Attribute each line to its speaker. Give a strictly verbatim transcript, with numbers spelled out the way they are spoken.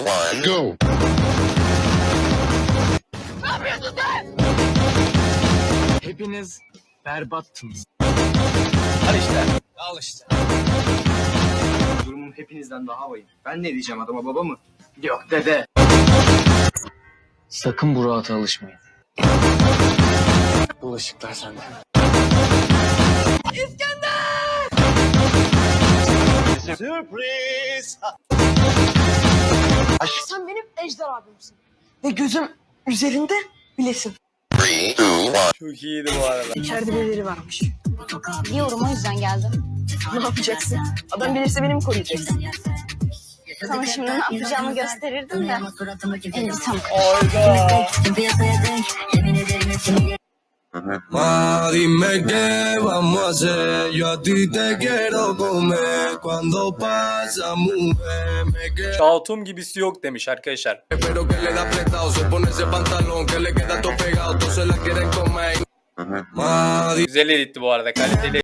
Speaker 1: one, go.
Speaker 2: Hepiniz berbattınız.
Speaker 3: Al işte. Al işte. Durumum hepinizden daha vahim. Ben ne diyeceğim adama, baba mı?
Speaker 2: Yok dede. Sakın bu rahata alışmayın. Bulaşıklar sende.
Speaker 3: Sürpriz.
Speaker 4: Sen benim Ejder abimsin. Ve gözüm üzerinde bilesin.
Speaker 1: Three, two, one.
Speaker 3: Çok iyiydi bu arada.
Speaker 4: İçeride birileri varmış.
Speaker 5: Biliyorum, o yüzden geldim.
Speaker 4: Ne yapacaksın? Adam bilirse beni mi koruyacaksın?
Speaker 5: Sana şimdi ne yapacağımı gösterirdim de. Elbisem
Speaker 6: Ma, dime qué vamos a hacer. Yo a ti te quiero comer. Cuando pasa, mujer, me quedo.
Speaker 7: Şatum gibisi yok demiş arkadaşlar.
Speaker 6: Pero que le da apretado, se pone ese pantalón que le queda todo pegado, todos se la quieren comer. Ma,
Speaker 7: Güzel editti bu arada, kaliteli.